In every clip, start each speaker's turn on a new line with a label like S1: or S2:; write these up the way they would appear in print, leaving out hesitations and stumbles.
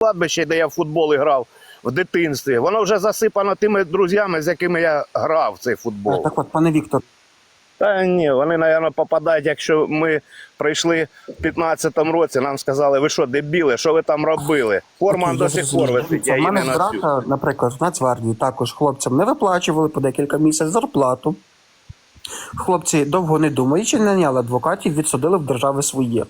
S1: кладбище, де я в футбол грав в дитинстві, воно вже засипано тими друзями, з якими я грав в цей футбол.
S2: Так от, пане Віктор.
S1: Та ні, вони, мабуть, попадають, якщо ми прийшли в 15-му році, нам сказали, ви що, дебіли, що ви там робили? Форма до сих пор висить, я
S2: У
S1: її
S2: мене
S1: не носю.
S2: брата, наприклад, в Нацгвардії також хлопцям не виплачували по декілька місяців зарплату. Хлопці, довго не думаючи, наняли адвокатів, відсудили в держави своє.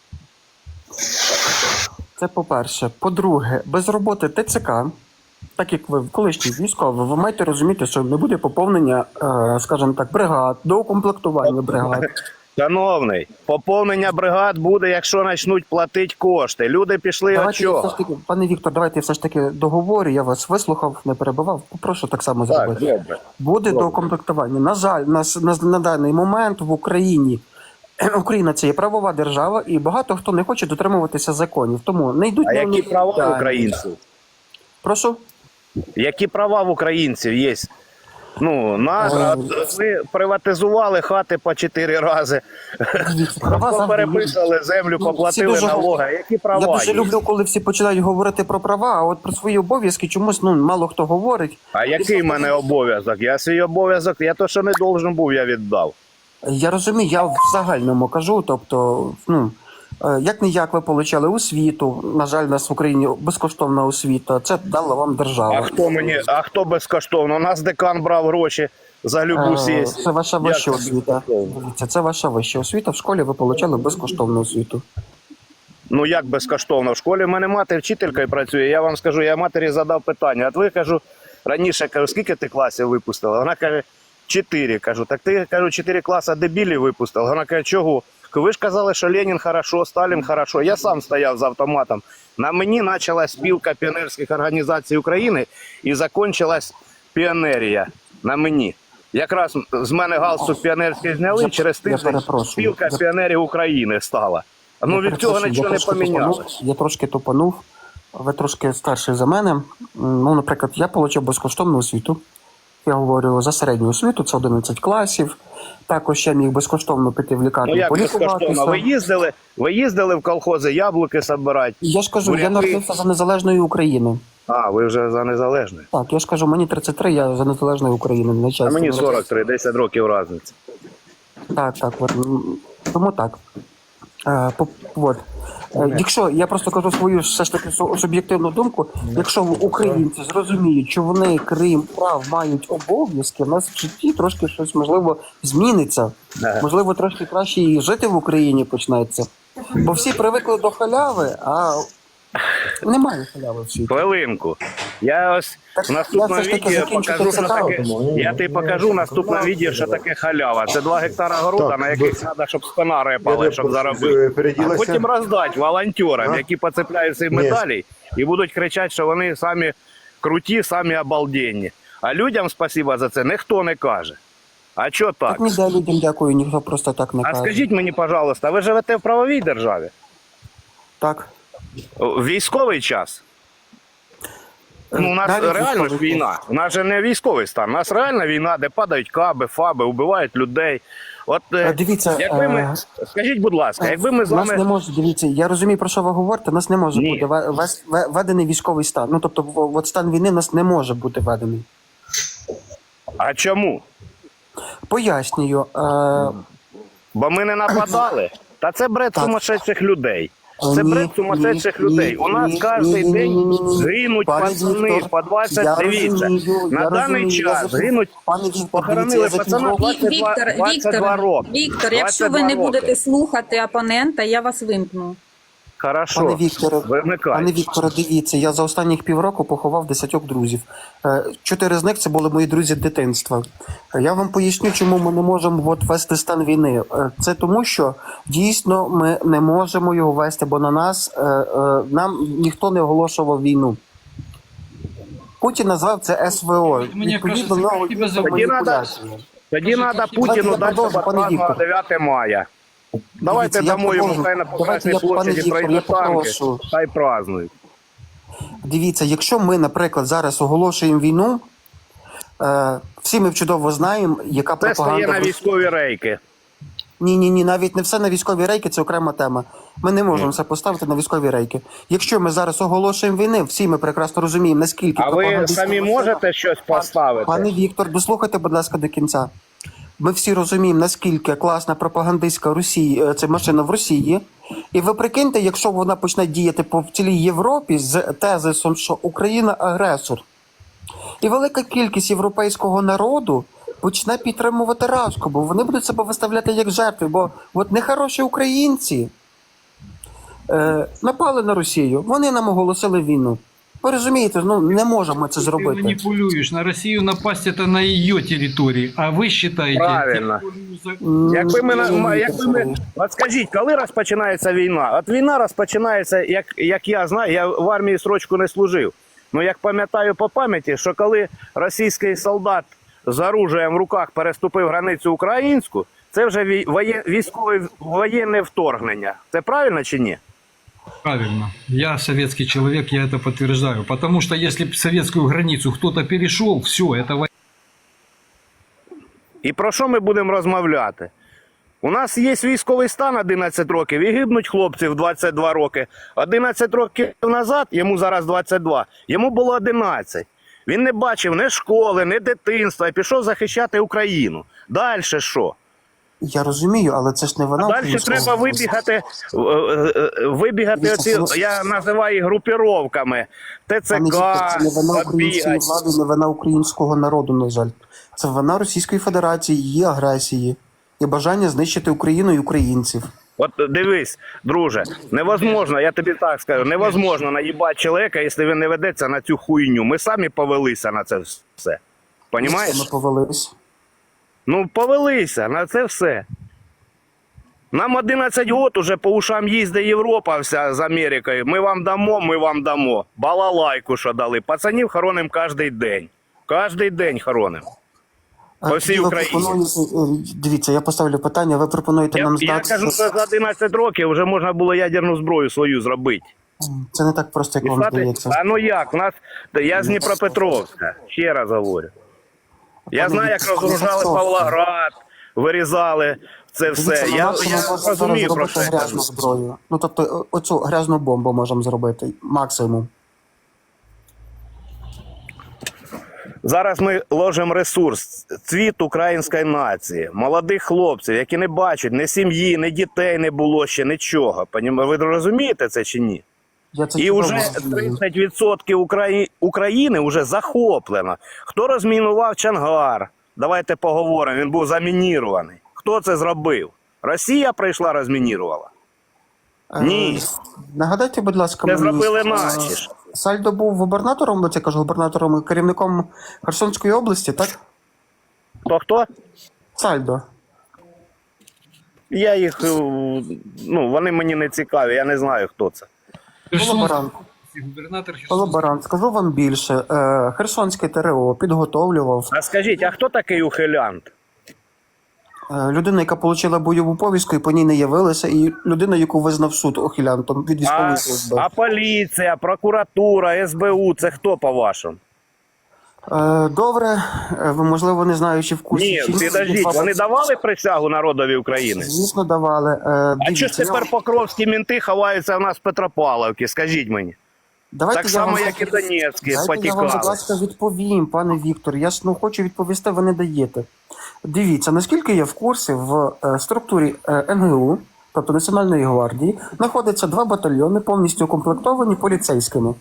S2: Це по-перше. По-друге, без роботи ТЦК, так як ви колишній військовий, ви маєте розуміти, що не буде поповнення, скажімо так, бригад, доукомплектування бригад.
S1: Шановний, поповнення бригад буде, якщо почнуть платити кошти. Люди пішли від чого?
S2: Пане Віктор, давайте я все ж таки договорю, я вас вислухав, не перебивав, попрошу так само зробити.
S1: Добре.
S2: Буде доукомплектування. На жаль, на даний момент в Україні Україна це є правова держава, і багато хто не хоче дотримуватися законів. Тому не йдуть
S1: А
S2: на
S1: які права українців?
S2: Прошу?
S1: Які права в українців є? Ну, ми приватизували хати по 4 рази, переписали землю, поплатили налоги. Які права
S2: Я дуже
S1: є?
S2: люблю, коли всі починають говорити про права, а от про свої обов'язки чомусь мало хто говорить.
S1: А який в мене обов'язок? Я свій обов'язок, я то, що не должен був, я віддав.
S2: Я розумію, я в загальному кажу, тобто, як не як ви отримали освіту, на жаль, у нас в Україні безкоштовна освіта, це дала вам держава.
S1: А хто безкоштовно? У нас декан брав гроші за любу сесію.
S2: Це ваша вища освіта. Дивіться, це ваша вища освіта, в школі ви отримали безкоштовну освіту.
S1: Ну як безкоштовно? В школі в мене мати вчителькою працює, я вам скажу, я матері задав питання, от ви, кажу, раніше, кажу, скільки ти класів випустила? Вона каже, 4, кажу, так ти, кажу, 4 класи дебілів випустила. Вона каже, чого? Ви ж казали, що Ленін хорошо, Сталін хорошо. Я сам стояв з автоматом. На мені почалась спілка піонерських організацій України і закінчилась піонерія на мені. Якраз з мене галстук піонерський зняли, через тиждень спілка піонерів України стала. Ну від цього нічого не помінялося.
S2: Я трошки тупанув, ви трошки старший за мене. Ну, наприклад, я отримав безкоштовну освіту. Я говорю за середню освіту, це 11 класів. Також я міг безкоштовно піти в лікарню полікуватися.
S1: Ви їздили в колхози яблуки збирати?
S2: Я ж кажу, я народився за незалежної України.
S1: А, ви вже за незалежної?
S2: Так, я ж кажу, мені 33, я за незалежної України.
S1: А мені 43, 10 років різниця.
S2: Так, тому так. Якщо, я просто кажу свою все ж таки суб'єктивну думку, якщо українці зрозуміють, що вони, крім прав, мають обов'язки, в нас в житті трошки щось, можливо, зміниться. Можливо, трошки краще і жити в Україні почнеться. Бо всі привикли до халяви, а немає халяви в світі.
S1: Хвилинку. Я ось в наступному відео покажу, що таке. Я тобі покажу в наступному відео, що таке халява. Це 2 гектара города, на яких треба, щоб спина репала, щоб заробити. А потім роздати волонтерам, які поцепляють ці медалі і будуть кричати, що вони самі круті, самі обалденні. А людям спасибо за це ніхто не каже. А чого так?
S2: Так ніде людям дякую, ніхто просто так не каже.
S1: А скажіть мені, пожалуйста, ви живете в правовій державі?
S2: Так.
S1: В військовий час? Ну, у нас реально ж війна. У нас же не військовий стан. У нас реальна війна, де падають каби, фаби, вбивають людей. От,
S2: дивіться,
S1: якби ми, скажіть, будь ласка, якби ми з вами...
S2: Нас не може, дивіться, я розумію, про що ви говорите, нас не може бути введений військовий стан. Ну, тобто, от стан війни нас не може бути введений.
S1: А чому?
S2: Пояснюю.
S1: Бо ми не нападали. Та це бред сумасшедших людей. Це бред сумасшедших людей. У нас кожен день гинуть пацани по 20, дивіться. На даний час гинуть, похоронили пацана 22 роки.
S3: Віктор, якщо ви не будете слухати опонента, я вас вимкну.
S1: Хорошо,
S2: Пане Вікторе, дивіться, я за останніх півроку поховав 10 друзів. 4 з них це були мої друзі дитинства. Я вам поясню, чому ми не можемо ввести стан війни. Це тому, що дійсно ми не можемо його ввести, бо на нас, нам ніхто не оголошував війну. Путін назвав це СВО. Відповідно, нової маніпуляції.
S1: Тоді треба Путіну дати празднувати 9 мая. Давайте дамо йому хай на Покасній площаді пройдуть танки, хай празднують.
S2: Дивіться, якщо ми, наприклад, зараз оголошуємо війну, всі ми чудово знаємо, яка пропаганда...
S1: Це стає на військові рейки.
S2: Ні, навіть не все на військові рейки, це окрема тема. Ми не можемо все поставити на військові рейки. Якщо ми зараз оголошуємо війни, всі ми прекрасно розуміємо, наскільки...
S1: А ви самі можете щось поставити?
S2: Пане Віктор, дослухайте, будь ласка, до кінця. Ми всі розуміємо, наскільки класна пропагандистська Росії, це машина в Росії. І ви прикиньте, якщо вона почне діяти по цілій Європі з тезисом, що Україна агресор. І велика кількість європейського народу почне підтримувати Рашку, бо вони будуть себе виставляти як жертви, бо от нехороші українці напали на Росію, вони нам оголосили війну. Ви розумієте, ну не можемо це
S4: Ты
S2: зробити.
S4: манипулируешь. На Россию напасть это на ее территории, а вы считаете...
S1: Правильно. Якби ми... От скажіть, коли розпочинається війна? От війна розпочинається, як я знаю, я в армії строчку не служив. Ну, як пам'ятаю по пам'яті, що коли російський солдат з оружием в руках переступив границю українську, це вже військове воєнне вторгнення. Це правильно чи ні?
S4: Правильно. Я советский человек, я это подтверждаю. Потому что если б советскую границу кто-то перешел, все, это война.
S1: І про що ми будемо розмовляти? У нас є військовий стан 11 років, і гибнуть хлопці в 22 роки. 11 років назад, йому зараз 22, йому було 11. Він не бачив ні школи, ні дитинства, і пішов захищати Україну. Далі що?
S2: Я розумію, але це ж не вона.
S1: Далі треба вибігати оці, я називаю їх групіровками, ТЦК,
S2: Це не вина української
S1: побігати.
S2: влади, не вина українського народу, на жаль. Це вина Російської Федерації, її агресії і бажання знищити Україну і українців.
S1: От дивись, друже, невозможно, я тобі так скажу, невозможно наїбати чоловіка, якщо він не ведеться на цю хуйню. Ми самі повелися на це все. Понімаєш?
S2: Ми повелись.
S1: Ну, повелися на це все. Нам 11 років уже по ушам їздить Європа вся з Америкою. Ми вам дамо, ми вам дамо. Балалайку, що дали. Пацанів хоронимо кожен день. Кожен день хоронимо. По всій
S2: Ви
S1: Україні.
S2: Дивіться, я поставлю питання, ви пропонуєте нам
S1: Я
S2: здати...
S1: кажу, що за 11 років вже можна було ядерну зброю свою зробити.
S2: Це не так просто, як вам здається.
S1: А ну як? У нас... Я з Дніпропетровська, ще раз говорю. Я знаю, як розгружали Павлоград, вирізали це все. Я розумію про це.
S2: Грязну зброю. Ну, тобто, оцю грязну бомбу можемо зробити, максимум.
S1: Зараз ми ложимо ресурс, цвіт української нації, молодих хлопців, які не бачать ні сім'ї, ні дітей не було ще, нічого. Ви розумієте це чи ні? І вже 30% України вже захоплено. Хто розмінував Чонгар? Давайте поговоримо, він був замінірований. Хто це зробив? Росія прийшла, розмінірувала? Ні.
S2: Нагадайте, будь ласка,
S1: Це зробили наші ж.
S2: Сальдо був губернатором, це кажу, губернатором, керівником Херсонської області, так?
S1: Хто?
S2: Сальдо.
S1: Я їх, ну, вони мені не цікаві, я не знаю, хто це.
S2: Колаборант.
S4: Губернатор
S2: Колаборант. Скажу вам більше. Херсонське ТРО підготовлював.
S1: А скажіть, а хто такий ухилянт?
S2: Людина, яка отримала бойову повістку і по ній не явилася, і людина, яку визнав суд ухилянтом від військової служби.
S1: А поліція, прокуратура, СБУ, це хто по-вашому?
S2: Добре, ви, можливо, не знаючи в курсі.
S1: Ні, підождіть, вони давали присягу народові України?
S2: Звісно, давали.
S1: А чого ж тепер покровські мінти ховаються в нас в Петропавловці, скажіть мені?
S2: Давайте
S1: Так само, як і Донецькі,
S2: Я вам,
S1: потікали.
S2: будь ласка, відповім, пане Віктор. Я ж хочу відповісти, ви не даєте. Дивіться, наскільки я в курсі, в структурі НГУ, тобто Національної гвардії, знаходяться 2 батальйони, повністю укомплектовані поліцейськими.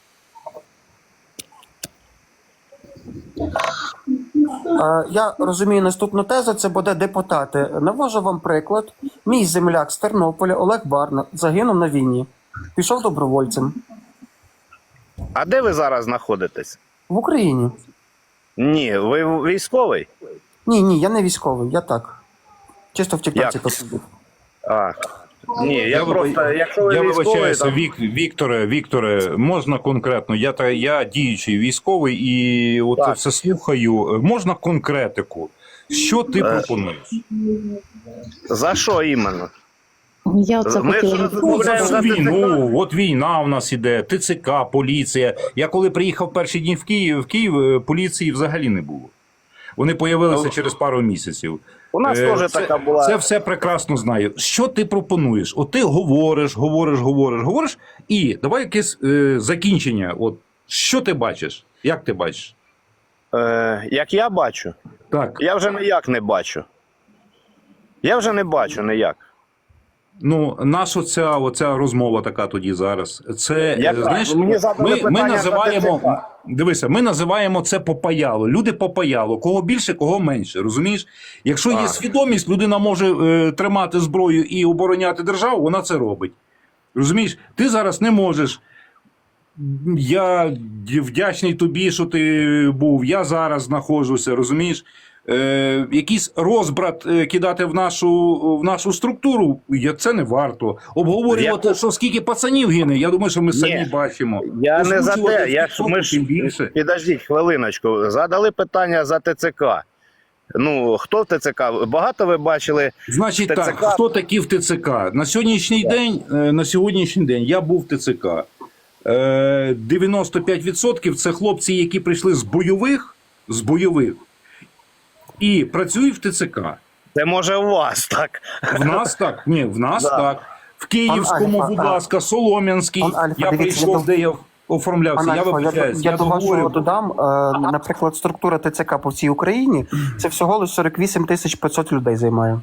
S2: Я розумію наступну тезу, це буде депутати. Навожу вам приклад. Мій земляк з Тернополя Олег Барна загинув на війні. Пішов добровольцем.
S1: А де ви зараз знаходитесь?
S2: В Україні.
S1: Ні, ви військовий?
S2: Ні, я не військовий, я так. Чисто в тіктоці
S1: Як?
S2: посидів.
S1: А, ні, я просто, якщо ви
S5: Я
S1: військовий,
S5: вибачаюся,
S1: то...
S5: Вікторе, можна конкретно? Я діючий військовий і от
S1: Так.
S5: все слухаю. Можна конкретику? Що ти пропонуєш?
S1: За що іменно?
S6: Я оце
S1: Ми
S6: хотіла
S1: ж
S6: відповісти.
S1: За
S5: Війну, от війна у нас іде, ТЦК, поліція. Я коли приїхав перші дні в Київ поліції взагалі не було. Вони появилися через пару місяців.
S1: У нас теж така була.
S5: Це все прекрасно знаю. Що ти пропонуєш? От ти говориш, і давай якесь закінчення. От, що ти бачиш? Як ти бачиш?
S1: Як я бачу?
S5: Так.
S1: Я вже ніяк не бачу. Я вже не бачу ніяк.
S5: Ну, наша оця розмова така тоді зараз. Це, знаєш,
S1: Мені задали
S5: ми
S1: питання
S5: називаємо,
S1: за ТЦК.
S5: дивися, ми називаємо це попаяло. Люди попаяло. Кого більше, кого менше. Розумієш? Якщо є свідомість, людина може тримати зброю і обороняти державу, вона це робить. Розумієш? Ти зараз не можеш. Я вдячний тобі, що ти був. Я зараз знаходжуся, розумієш? Якийсь розбрат кидати в нашу структуру, це не варто. Обговорювати, що скільки пацанів гине, я думаю, що ми самі бачимо.
S1: Я не за те. Ми
S5: ж більше.
S1: Підождіть хвилиночку. Задали питання за ТЦК. Ну, хто в ТЦК? Багато ви бачили?
S5: Значить
S1: ТЦК?
S5: так, хто такі в ТЦК? На сьогоднішній день я був в ТЦК. 95% це хлопці, які прийшли з бойових, і працюють в ТЦК.
S1: Це може у вас так.
S5: В нас так? Ні, в нас так. В Київському,
S2: Альфа,
S5: будь ласка, Солом'янський.
S2: Альфа,
S5: Я
S2: дивіться,
S5: прийшов, де я оформлявся. Я вибачаюсь.
S2: Я до вашого
S5: говорю.
S2: додам, наприклад, структура ТЦК по всій Україні, це всього лише 48 500 людей займає.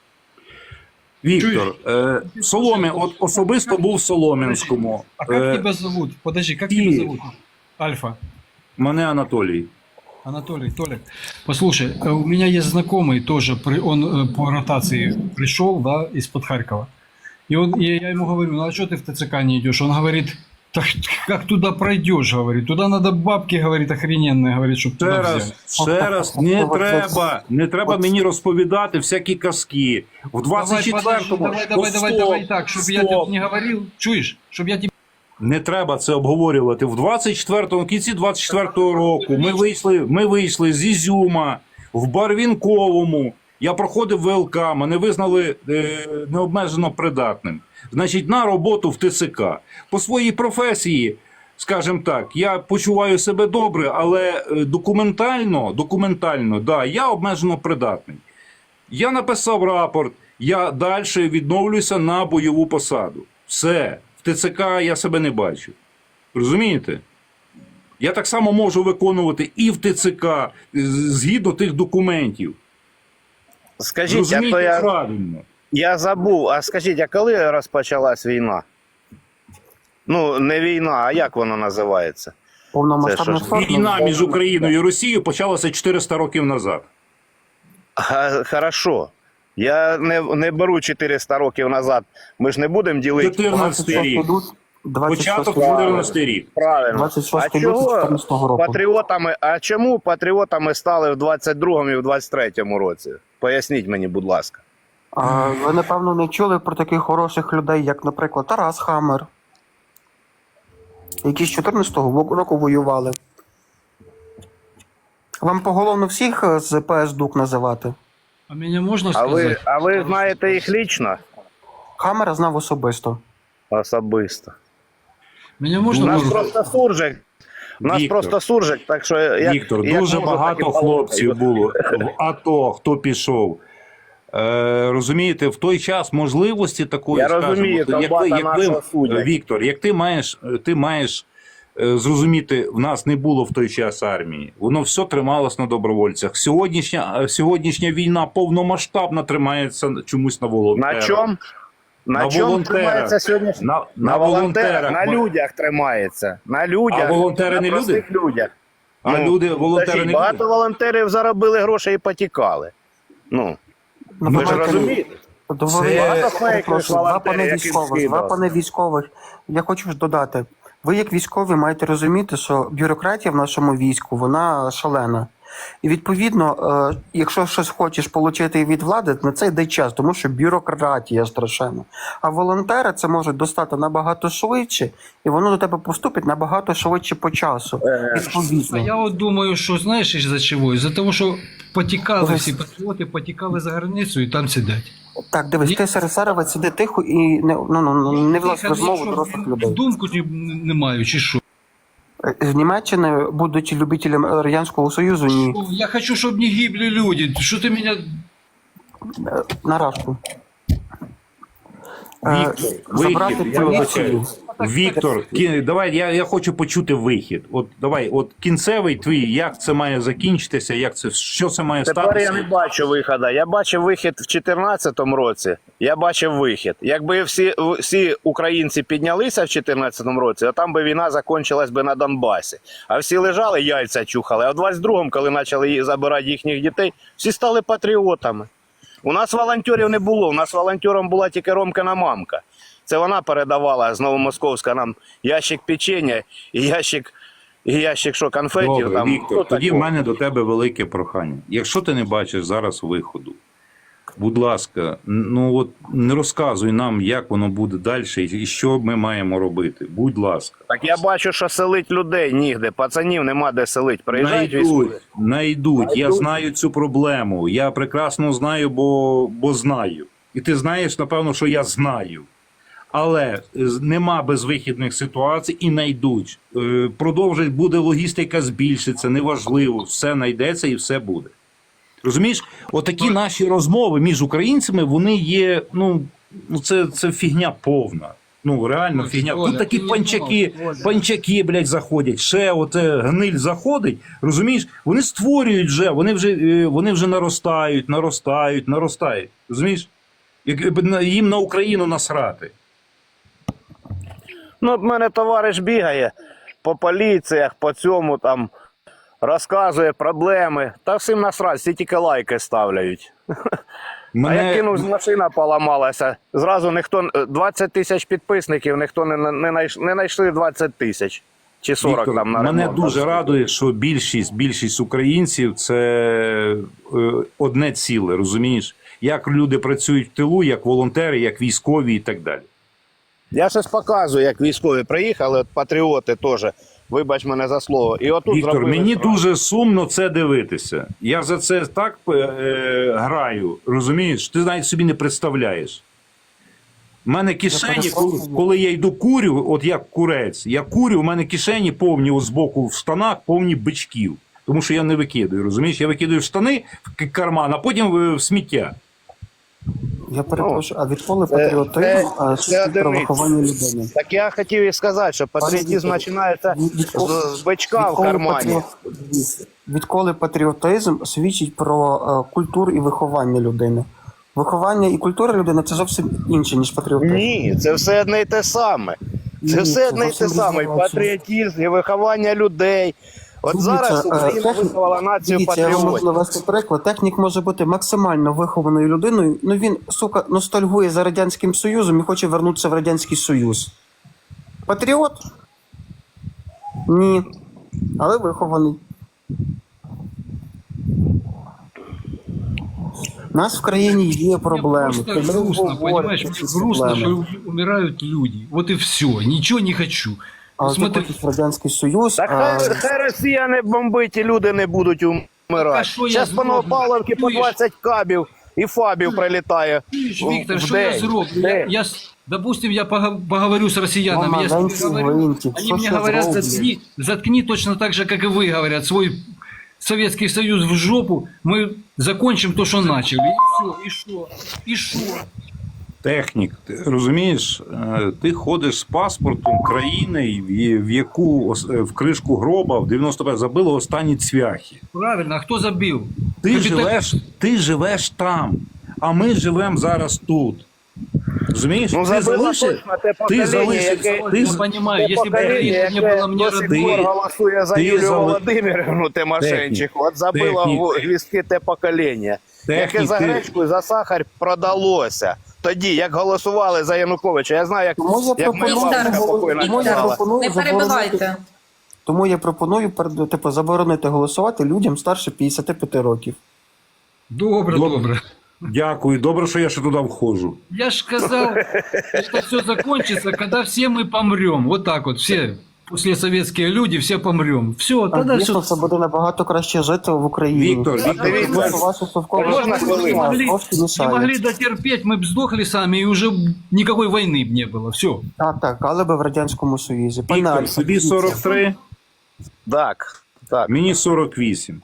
S5: Віктор, от особисто був в Солом'янському.
S4: А как тебя зовут? Подожди, как тебя зовут? Альфа.
S5: Мене Анатолій.
S4: Анатолий, Толик. Послушай, у меня есть знакомый тоже, он по ротации пришел, да, из-под Харькова. И я ему говорю, ну а что ты в ТЦК не идешь? Он говорит, так как туда пройдешь, говорит, туда надо бабки, говорит, охрененные, говорит, чтобы туда взяли.
S5: Ще раз, не треба мені розповідати всякі казки. В 24-му...
S4: Давай так, чтобы я тебе не говорил, чуешь, чтобы я тебе...
S5: Не треба це обговорювати. В 24-му, кінці 24-го року ми вийшли з Ізюма в Барвінковому. Я проходив ВЛК, мене визнали необмежено придатним. Значить, на роботу в ТЦК. По своїй професії, скажімо так, я почуваю себе добре, але документально, да, я обмежено придатний. Я написав рапорт, я далі відновлюся на бойову посаду. Все. В ТЦК я себе не бачу. Розумієте? Я так само можу виконувати і в ТЦК згідно тих документів.
S1: Скажіть,
S5: Розумієте, правильно.
S1: Я забув, а скажіть, а коли розпочалась війна? Ну, не війна, а як вона називається?
S2: Повномасштабне
S1: Це що ж,
S2: вторгнення.
S5: Війна між Україною і Росією почалася 400 років назад.
S1: Хорошо. Я не беру 400 років назад. Ми ж не будемо ділити.
S5: 14 рік. Початок 14 рік.
S1: Правильно.
S2: 26
S1: А чого
S2: 14 року.
S1: патріотами, а чому патріотами стали в 22-му і в 23-му році? Поясніть мені, будь ласка.
S2: Ви, напевно, не чули про таких хороших людей, як, наприклад, Тарас Хамер, які з 14-го року воювали. Вам поголовно всіх з ПС ДУК називати?
S4: А меня можно сказать?
S1: А ви знаєте їх лічно?
S2: Хамера знав особисто.
S1: Особисто.
S4: Меня
S1: У
S4: можно...
S1: нас просто суржик. Так що...
S5: Віктор, дуже багато хлопців було в АТО, хто пішов. Розумієте, в той час можливості такої,
S1: Я розумію, нашого суддя.
S5: Віктор, як ти маєш зрозуміти, в нас не було в той час армії. Воно все трималось на добровольцях. Сьогоднішня війна повномасштабно тримається чомусь на волонтерах.
S1: На чому? На чому тримається сьогодні?
S5: На волонтерах.
S1: На людях тримається. На людях.
S5: А волонтери
S1: на
S5: не
S1: простих людях.
S5: А волонтери не
S1: багато
S5: люди?
S1: волонтерів заробили гроші і потікали. Ну, ви ж розумієте?
S2: Два пане військових. Я хочу ж додати. Ви, як військові, маєте розуміти, що бюрократія в нашому війську, вона шалена. І, відповідно, якщо щось хочеш отримати від влади, на це йде час, тому що бюрократія страшенна. А волонтери це можуть достати набагато швидше, і воно до тебе поступить набагато швидше по часу.
S4: А
S2: Відповідно.
S4: я вот думаю, что знаешь из-за чего? Из-за того, что потекали всі патріоти, потекали за границю і там сидять.
S2: Так, дивись, ти серед сиди тихо і не влазь в розмову дорослих людей.
S4: Думку не маю, чи що?
S2: З Німеччини, будучи любителем Радянського Союзу, ні.
S4: Я хочу, щоб не гибли люди. Що ти мене...
S2: На Рашку.
S5: Вихід, я вибачаю.
S2: поліцію.
S5: Віктор, давай, я хочу почути вихід. От давай, от кінцевий твій, як це має закінчитися, що це має
S1: Тепер
S5: статися?
S1: я не бачу виходу. Я бачив вихід в 2014 році. Я бачив вихід. Якби всі українці піднялися в 2014 році, а там би війна закінчилась би на Донбасі. А всі лежали, яйця чухали. А в 22-му, коли почали забирати їхніх дітей, всі стали патріотами. У нас волонтерів не було. У нас волонтером була тільки Ромкина мамка. Це вона передавала з Новомосковська нам ящик печення і ящик що, конфетів.
S5: Добре,
S1: там.
S5: Віктор, тоді в мене до тебе велике прохання. Якщо ти не бачиш зараз виходу, будь ласка, ну от не розказуй нам, як воно буде далі і що ми маємо робити. Будь ласка.
S1: Так я бачу, що селить людей нігде. Пацанів нема де селить. Приїжджають військові.
S5: Найдуть. Я знаю цю проблему. Я прекрасно знаю, бо знаю. І ти знаєш, напевно, що я знаю. Але нема безвихідних ситуацій і найдуть. Продовжить, буде логістика збільшиться, неважливо. Все знайдеться і все буде. Розумієш? Отакі наші розмови між українцями, вони є, це фігня повна. Ну, реально фігня. Тут такі панчаки, блядь, заходять. Ще оце гниль заходить, розумієш? Вони створюють вже, вони вже наростають. Розумієш? Їм на Україну насрати.
S1: Ну, от мене товариш бігає по поліціях, по цьому там розказує проблеми. Та всім насрать, всі тільки лайки ставляють. А я кинув, машина поламалася. Зразу 20 тисяч підписників, ніхто не знайшли 20 тисяч. Чи 40
S5: Віктор,
S1: там на
S5: мене
S1: ремонт.
S5: дуже радує, що більшість українців – це одне ціле, розумієш? Як люди працюють в тилу, як волонтери, як військові і так далі.
S1: Я щось показую, як військові приїхали, от патріоти теж, вибач мене за слово. І отут
S5: Віктор,
S1: зробили
S5: мені
S1: справу.
S5: дуже сумно це дивитися. Я за це так граю, розумієш? Ти навіть собі не представляєш. У мене кишені, коли я йду курю, от як курець, я курю, у мене кишені повні з боку в штанах, повні бичків. Тому що я не викидаю, розумієш? Я викидаю в штани, в карман, а потім в сміття.
S2: Я перепрошую, а відколи патріотизм свідчить про виховання людини?
S1: Так я хотів і сказати, що патріотизм починається з бичка в кармані.
S2: Відколи патріотизм свідчить про культуру і виховання людини? Виховання і культура людини – це зовсім інше, ніж патріотизм.
S1: Ні, це все одне й те саме. Це
S2: Ні,
S1: все одне й те
S2: зовсім
S1: саме. І
S2: різні речі.
S1: патріотизм, і виховання людей. От
S2: Дивіться,
S1: зараз Україна виховала націю
S2: дивіться, я вам можу
S1: патріотів.
S2: навести приклад. Технік може бути максимально вихованою людиною, ну він, сука, ностальгує за Радянським Союзом і хоче вернутися в Радянський Союз. Патріот? Ні. Але вихований. У нас в країні є проблеми.
S4: Мне просто грустно, понимаешь? Мне грустно, что умирают люди. Вот и все. Ничего не хочу.
S2: А ти
S4: Смотри,
S2: хочеш в Радянський Союз,
S1: Так хай Росія не бомбить, і люди не будуть
S4: А
S1: умирати.
S4: що я
S1: Зараз по
S4: зроблю?
S1: Новопавловці по
S4: Чуєш?
S1: 20 кабів і фабів прилітає.
S4: Виктор,
S1: в
S4: что я
S1: день.
S4: зроблю? Допустим, я поговорю с россиянами. Я с ними
S2: Маленький
S4: говорю,
S2: гвинтик,
S4: они
S2: що
S4: мне
S2: ж я
S4: говорят,
S2: зроблю?
S4: заткни точно так же, как и вы говорят, свой Советский Союз в жопу, мы закончим то, что начали. И все, и что? И что?
S5: Технік, ти розумієш, ти ходиш з паспортом країни, в яку в кришку гроба в 95 забили останні цвяхи.
S4: Правильно, а кто забил?
S5: Ти живеш там, а ми живемо зараз тут. Розумієш?
S1: Ну,
S5: ти
S1: забило
S5: залишив,
S1: точно те
S5: ти
S1: покоління,
S5: залишив,
S1: яке-
S5: ти,
S4: Я понимаю,
S1: Те
S4: если бы
S1: покоління,
S4: Украина не
S1: яке
S4: было мне
S1: до сих
S4: родной,
S1: пор голосує за
S5: ти
S1: Юлію
S5: зали-
S1: Володимирівну Тимошенчиху, от забило
S5: Технік.
S1: гвіздки те покоління, яке
S5: Технік,
S1: за
S5: ти-
S1: гречку і за сахар продалося. Тоді, як голосували за Януковича, я знаю,
S2: Тому я
S1: як моя
S2: пропоную,
S1: бабуся покойна
S2: тому я
S1: казала.
S2: пропоную
S3: Не перебивайте.
S2: Тому я пропоную заборонити голосувати людям старше 55 років.
S4: Добре,
S5: Добре.
S4: добре.
S5: Дякую, добре, що я ще туди входжу.
S4: Я ж сказал, что все закончится, когда все мы помрем. Вот так вот, все послесоветские люди, все помрем. Все, тогда все.
S2: Дійсно, це буде набагато краще жити в Україні.
S5: Віктор,
S1: Дивіться,
S2: Ваші совкові
S1: можна хвилину?
S2: трошки
S4: Не
S2: мішають.
S4: могли дотерпеть, мы бы сдохли сами, и уже никакой войны б не было. Все.
S2: Так, але би в Радянському Союзі. Пане
S5: Віктор,
S2: Альфа,
S5: собі 43,
S1: Так, так.
S5: мені 48.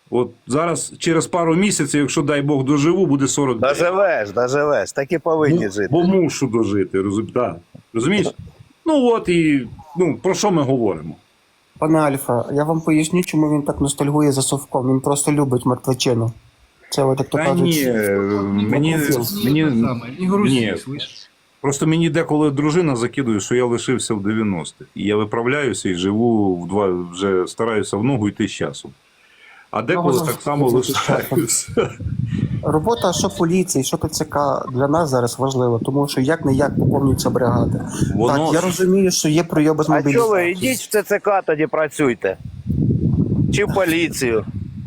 S5: От зараз через пару місяців, якщо дай Бог доживу, буде 49.
S1: Доживеш, так і повинні жити.
S5: Бо мушу дожити, розумієш? Ну от і про що ми говоримо?
S2: Пане Альфа, я вам поясню, чому він так ностальгує за совком. Він просто любить мертвечину. Це от, як то
S5: Та
S2: кажуть.
S5: ні, мені
S4: Не грузи,
S5: Ні.
S4: слышиш?
S5: просто мені деколи дружина закидує, що я лишився в 90-х. І я виправляюся і живу вже стараюся в ногу йти з часом. А деколи
S2: воно
S5: так само лишаюся.
S2: Робота що поліції, що ТЦК для нас зараз важлива, тому що як-не-як поповнюються бригади.
S5: Воно-
S2: Так, я розумію, що є пройоби з
S1: А що ви,
S2: мобілізації.
S1: йдіть в ТЦК тоді працюйте. Чи в поліцію.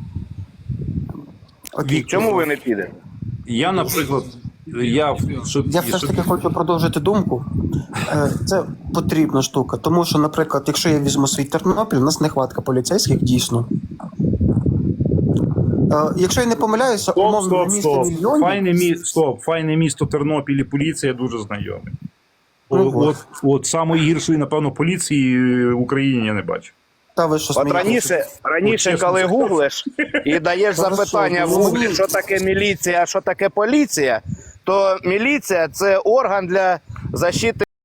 S2: Окей.
S1: Чому ви не підете?
S5: Я, наприклад,
S2: Я все ж таки хочу продовжити думку. Це потрібна штука, тому що, наприклад, якщо я візьму свій Тернопіль, у нас нехватка поліцейських дійсно. Якщо я не помиляюся, умовно на місто мільйонів...
S5: Файне місто Тернопіль і поліція дуже знайомі.
S2: Ну,
S5: От самої гіршої, напевно, поліції в Україні я не бачу.
S2: Та ви що
S1: От
S2: смієтеся?
S1: раніше,
S5: чесно
S1: коли
S5: сказати.
S1: гуглиш і даєш
S2: Хорошо,
S1: запитання в
S2: ну,
S1: гуглі, що таке міліція, а що таке поліція, то міліція – це орган для защити